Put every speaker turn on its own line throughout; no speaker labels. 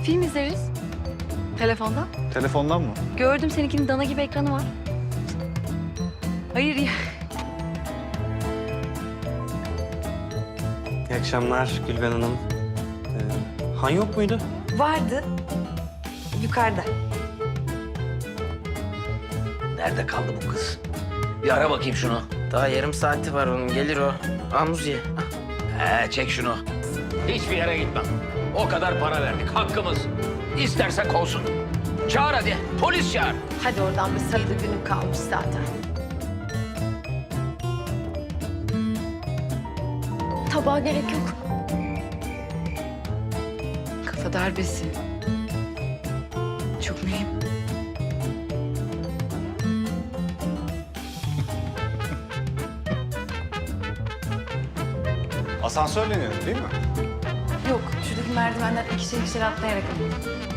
Film izleriz. Telefondan.
Telefondan mı?
Gördüm seninkinin dana gibi ekranı var. Hayır ya.
İyi akşamlar Gülben Hanım. Han yok muydu?
Vardı. Yukarıda.
Nerede kaldı bu kız? Bir ara bakayım şunu.
Daha yarım saati var onun. Gelir o. Amuz ye.
Çek şunu. Hiçbir yere gitmem. O kadar para verdik. Hakkımız. İsterse kovsun. Çağır hadi. Polis çağır.
Hadi oradan bir sayılı günüm kalmış zaten.
Tabağa gerek yok. Kafa darbesi. Çok mühim.
Asansörle inelim değil mi?
Yok, şuradaki merdivenden ikişer atlayarak alayım.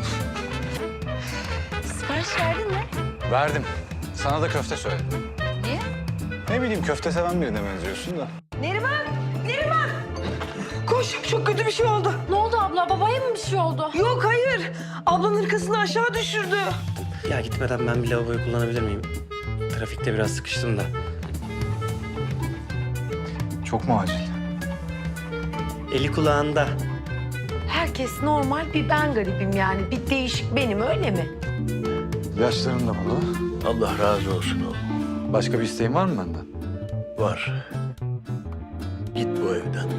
Sipariş verdin mi?
Verdim. Sana da köfte söyledim.
Niye?
Ne bileyim köfte seven birine benziyorsun da.
Neriman! Neriman! Koş, çok kötü bir şey oldu.
Ne oldu abla? Babaya mı bir şey oldu?
Yok, hayır. Ablanın hırkasını aşağı düşürdü.
Ya gitmeden ben bir lavaboyu kullanabilir miyim? Trafikte biraz sıkıştım da.
Çok mu acil?
Eli kulağında.
Herkes normal, bir ben garibim yani. Bir değişik benim, öyle mi?
İlaçların da burada.
Allah razı olsun oğlum.
Başka bir isteğin var mı benden?
Var. Git bu evden.